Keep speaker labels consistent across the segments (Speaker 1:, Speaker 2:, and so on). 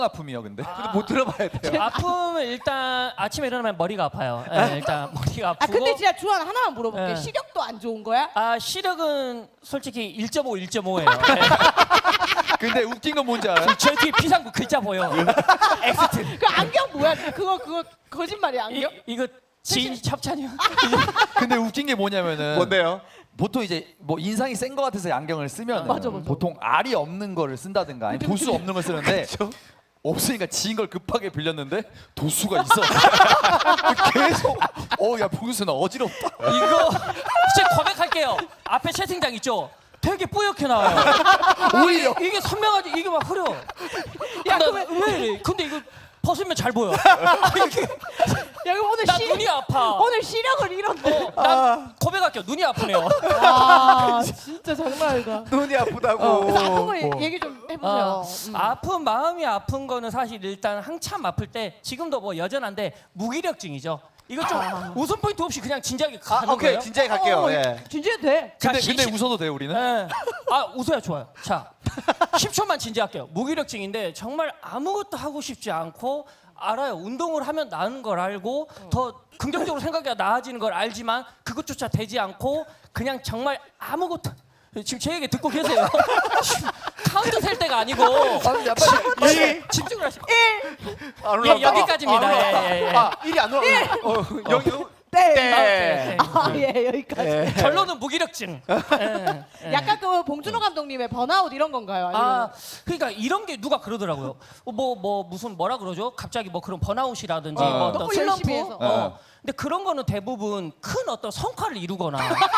Speaker 1: 아픔이요, 근데.
Speaker 2: 못 들어봐야 돼요.
Speaker 3: 아픔은 일단 아침에 일어나면 머리가 아파요. 예, 일단 머리가
Speaker 4: 아
Speaker 3: 아프고.
Speaker 4: 근데 진짜 주한 하나만 물어볼게.
Speaker 3: 네.
Speaker 4: 시력도 안 좋은 거야?
Speaker 3: 아 시력은 솔직히 1.5, 1.5예요.
Speaker 1: 근데 웃긴 건 뭔지 알아요?
Speaker 3: 저 뒤에 비상구 글자 보여. 엑스트.
Speaker 4: 그 안경 뭐야? 그거 거짓말이야 안경?
Speaker 3: 이거 지인 협찬이요.
Speaker 1: 근데 웃긴 게 뭐냐면은
Speaker 2: 뭔데요?
Speaker 1: 보통 이제 뭐 인상이 센 거 같아서 안경을 쓰면
Speaker 4: 맞아, 맞아.
Speaker 1: 보통 알이 없는 거를 쓴다든가 아니 도수 없는 걸 쓰는데 없으니까 지인 걸 급하게 빌렸는데 도수가 있어. 계속 야 봉수 나 어지럽다.
Speaker 3: 이거 진짜 고백할게요. 앞에 채팅창 있죠. 되게 뿌옇게 나와요.
Speaker 1: 오히려
Speaker 3: 이게 선명하지 이게 막 흐려.
Speaker 4: 야,
Speaker 3: 왜 이래? 근데 이거 벗으면 잘 보여.
Speaker 4: 야 이거 오늘
Speaker 3: 나 눈이 아파.
Speaker 4: 오늘 시력을 잃었네.
Speaker 3: 난 고백할게요. 눈이 아프네요.
Speaker 4: 아 진짜 장난 아니다.
Speaker 2: 눈이 아프다고.
Speaker 4: 그래서 아픈 거 얘기 좀 해보세요.
Speaker 3: 아픈 마음이 아픈 거는 사실 일단 한참 아플 때 지금도 뭐 여전한데 무기력증이죠. 이거 좀 웃음 포인트 없이 그냥 진지하게 가는
Speaker 2: 오케이
Speaker 3: 거예요.
Speaker 2: 진지하게 갈게요. 예.
Speaker 4: 진지해 돼.
Speaker 3: 자,
Speaker 1: 근데 웃어도 돼요 우리는?
Speaker 3: 예. 아 웃어야 좋아요. 자 10초만 진지할게요. 무기력증인데 정말 아무것도 하고 싶지 않고 알아요. 운동을 하면 나은 걸 알고 더 긍정적으로 생각해야 나아지는 걸 알지만 그것조차 되지 않고 그냥 정말 아무것도 지금 제 얘기 듣고 계세요. 카운트 셀 때가 아니고 집중을 하시고
Speaker 2: 안 올라온다.
Speaker 3: 여기까지입니다.
Speaker 2: 안 올라온다.
Speaker 3: 예, 예, 예.
Speaker 2: 아 1이 안 올라온다. 여기
Speaker 4: 네.
Speaker 2: 네.
Speaker 4: 예 여기까지.
Speaker 3: 결론은 무기력증. 예.
Speaker 4: 약간 그 봉준호 감독님의 번아웃 이런 건가요? 아니면
Speaker 3: 아, 그러니까 이런 게 누가 그러더라고요. 뭐 무슨 뭐라 그러죠? 갑자기 뭐 그런 번아웃이라든지 뭐 어떤
Speaker 4: 너무
Speaker 3: 슬럼프.
Speaker 4: 열심히 해서.
Speaker 3: 근데 그런 거는 대부분 큰 어떤 성과를 이루거나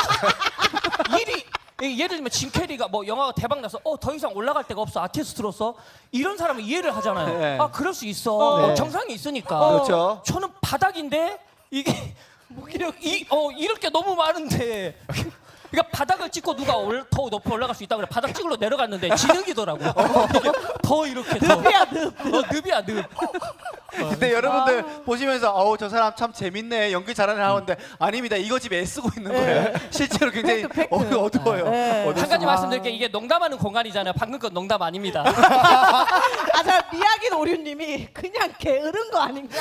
Speaker 3: 예를 들면 짐 캐리가 뭐 영화가 대박 나서 더 이상 올라갈 데가 없어 아티스트로서 이런 사람은 이해를 하잖아요.
Speaker 2: 네.
Speaker 3: 아 그럴 수 있어.
Speaker 2: 네.
Speaker 3: 정상이 있으니까.
Speaker 2: 그렇죠.
Speaker 3: 저는 바닥인데 이게 이럴 게 너무 많은데. 그러니까 바닥을 찍고 누가 더 높이 올라갈 수 있다 그래. 바닥 찍으러 내려갔는데 진흙이더라고. 더 이렇게
Speaker 4: 늪이야 늪.
Speaker 3: 늪이야 늪.
Speaker 2: 근데 여러분들 보시면서 저 사람 참 재밌네 연기 잘하는 하는데 아닙니다. 이거 지금 애쓰고 있는 거예요. 실제로 굉장히
Speaker 4: 팩트.
Speaker 2: 어두워요.
Speaker 4: 네.
Speaker 3: 한 가지 말씀드릴게요. 이게 농담하는 공간이잖아요. 방금 건 농담 아닙니다.
Speaker 4: 아저 미야긴 오류님이 그냥 게으른 거 아닌가?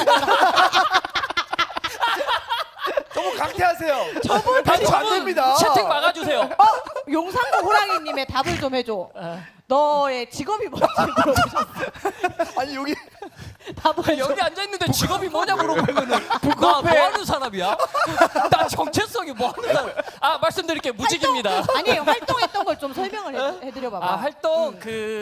Speaker 1: 너무 강퇴하세요.
Speaker 4: 저분
Speaker 1: 강퇴 안 됩니다.
Speaker 3: 채팅 막아주세요.
Speaker 4: 용산구 호랑이님의 답을 좀 해줘. 너의 직업이 뭔지 물어보셨어.
Speaker 1: 아니 여기
Speaker 4: 답을
Speaker 3: 여기 앉아 있는데 직업이 뭐냐 물어보면은 나 뭐 하는 사람이야? 나 정체성이 뭐 하는 사람? 아 말씀드릴게요. 무직입니다.
Speaker 4: 아니에요. 활동했던 걸 좀 설명을 해드려봐봐.
Speaker 3: 아 활동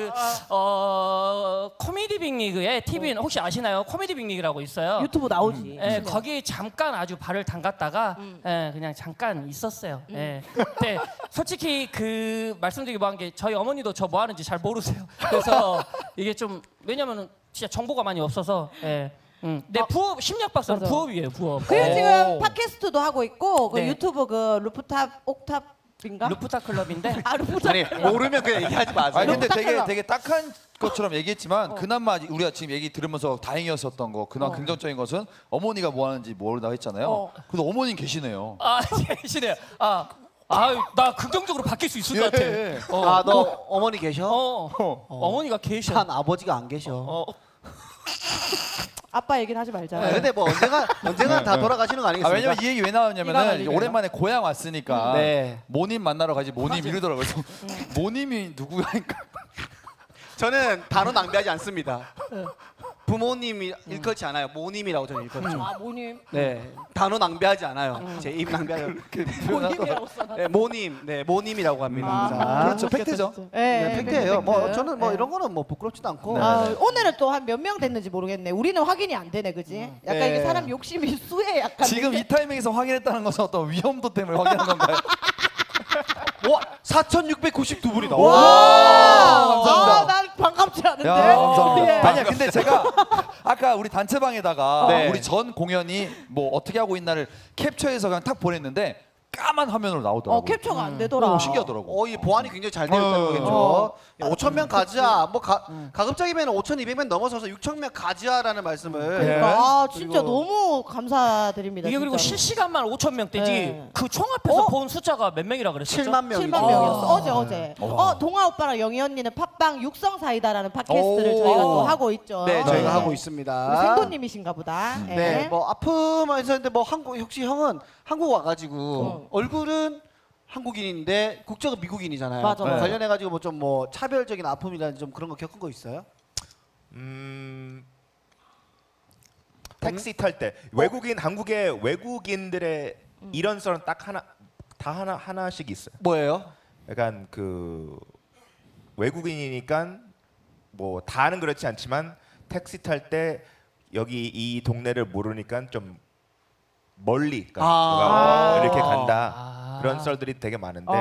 Speaker 3: 코미디 빅리그의 TV는 혹시 아시나요? 코미디 빅리그라고 있어요.
Speaker 4: 유튜브 나오지.
Speaker 3: 예, 거기 잠깐 아주 발을 담갔다가 그냥 잠깐 있었어요. 예. 근데 솔직히 그 말씀드리기 뭐한 게 저희 어머니도 저 뭐 하는지 잘 모르세요. 그래서 이게 좀 왜냐면은 진짜 정보가 많이 없어서. 예. 내 부업 심리학 박사는
Speaker 4: 맞아.
Speaker 3: 부업이에요. 부업.
Speaker 4: 그리고 지금 팟캐스트도 하고 있고 그
Speaker 3: 네.
Speaker 4: 유튜브 그 루프탑 옥탑인가?
Speaker 3: 루프타 클럽인데
Speaker 4: 아 루프탑.
Speaker 2: 아니 모르면 그냥 얘기하지 마세요.
Speaker 1: 아니 근데
Speaker 4: 딱딱하다.
Speaker 1: 되게 딱한 것처럼 얘기했지만 그나마 우리가 지금 얘기 들으면서 다행이었었던 거 그나마 긍정적인 것은 어머니가 뭐 하는지 모른다고 했잖아요. 근데 어머님 계시네요.
Speaker 3: 아 계시네요. 나 긍정적으로 바뀔 수 있을 것 같아.
Speaker 1: 예.
Speaker 2: 너 어머니 계셔?
Speaker 3: 어머니가 계셔.
Speaker 2: 한 아버지가 안 계셔.
Speaker 4: 아빠 얘기는 하지 말자.
Speaker 2: 근데 뭐 언젠가 다 돌아가시는 거 아니겠습니까?
Speaker 1: 왜냐면 이 얘기 왜 나왔냐면은 이제 오랜만에 고향 왔으니까
Speaker 2: 네.
Speaker 1: 모님 만나러 가지 모님 이러더라고요. 그래서 모님이 누구야니까
Speaker 2: 저는 단어 낭비하지 않습니다. 부모님이 일컬지 않아요. 모님이라고 저는 일컬죠.
Speaker 4: 아 모님.
Speaker 2: 네, 단어 낭비하지 않아요. 제 입 낭비하지
Speaker 4: 모님이라고 써놨.
Speaker 2: 네, 모님이라고 합니다.
Speaker 1: 그렇죠 팩트죠.
Speaker 2: 네, 팩트예요. 뭐
Speaker 4: 팩트.
Speaker 2: 저는 뭐
Speaker 4: 네.
Speaker 2: 이런 거는 뭐 부끄럽지도 않고.
Speaker 4: 오늘은 또 한 몇 명 됐는지 모르겠네. 우리는 확인이 안 되네, 그지? 약간
Speaker 2: 네.
Speaker 4: 이게 사람 욕심이 수에 약간.
Speaker 1: 지금 이 타이밍에서 확인했다는 것은 어떤 위험도 때문에 확인한 건가요?
Speaker 2: 와, 4,692분이다.
Speaker 1: 감사합니다.
Speaker 4: 난 반갑지 않은데.
Speaker 1: 야, 감사합니다.
Speaker 4: 예.
Speaker 1: 아니야, 근데 제가 아까 우리 단체방에다가
Speaker 2: 네.
Speaker 1: 우리 전 공연이 뭐 어떻게 하고 있나를 캡처해서 그냥 탁 보냈는데 까만 화면으로 나오더라고요.
Speaker 4: 캡처가 안 되더라.
Speaker 1: 신기하더라고.
Speaker 2: 이 보안이 굉장히 잘 되어 있다는 거겠죠. 5천 명 가자. 뭐 가급적이면 5,200명 넘어서서 6천 명 가자라는 말씀을.
Speaker 4: 그러니까 아 진짜 너무 감사드립니다.
Speaker 3: 이게 그리고
Speaker 4: 진짜로.
Speaker 3: 실시간만 5천 명대지
Speaker 4: 네.
Speaker 3: 그 총 앞에서 본 숫자가 몇 명이라 그랬었죠?
Speaker 2: 7만 명이죠.
Speaker 4: 7만 명이었어. 어제. 동아 오빠랑 영희 언니는 팟빵 육성 사이다라는 팟캐스트를 저희가 또 하고 있죠.
Speaker 2: 네, 저희가 하고
Speaker 4: 우리
Speaker 2: 있습니다.
Speaker 4: 생도님이신가 보다.
Speaker 2: 네, 뭐 아픔에서 했는데 뭐 한국 혹시 형은 한국 와가지고 얼굴은 한국인인데 국적은 미국인이잖아요.
Speaker 4: 맞아, 맞아.
Speaker 2: 관련해가지고 뭐 좀 뭐 차별적인 아픔이라든지 좀 그런 거 겪은 거 있어요?
Speaker 5: 택시 탈 때 외국인 한국의 외국인들의 이런 썰은 딱 하나씩 있어요.
Speaker 2: 뭐예요?
Speaker 5: 약간 그 외국인이니까 뭐 다는 그렇지 않지만 택시 탈 때 여기 이 동네를 모르니까 좀 멀리 이렇게 간다 그런 썰들이 되게 많은데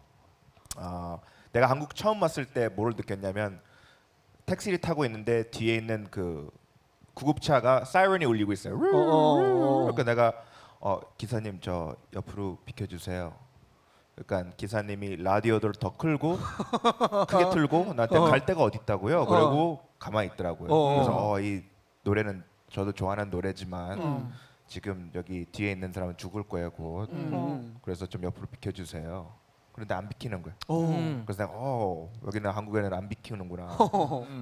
Speaker 5: 내가 한국 처음 왔을 때 뭘 느꼈냐면 택시를 타고 있는데 뒤에 있는 그 구급차가 사이렌이 울리고 있어요. 그러니까 내가 기사님 저 옆으로 비켜주세요. 그러니까 기사님이 라디오를 더 크게 틀고 나한테 갈 데가 어디 있다고요? 그러고 가만히 있더라고요. 그래서 이 노래는 저도 좋아하는 노래지만 지금 여기 뒤에 있는 사람은 죽을 거예요 곧. 그래서 좀 옆으로 비켜주세요. 그런데 안 비키는 거예요. 그래서 내가 여기는 한국에는 안 비키는구나.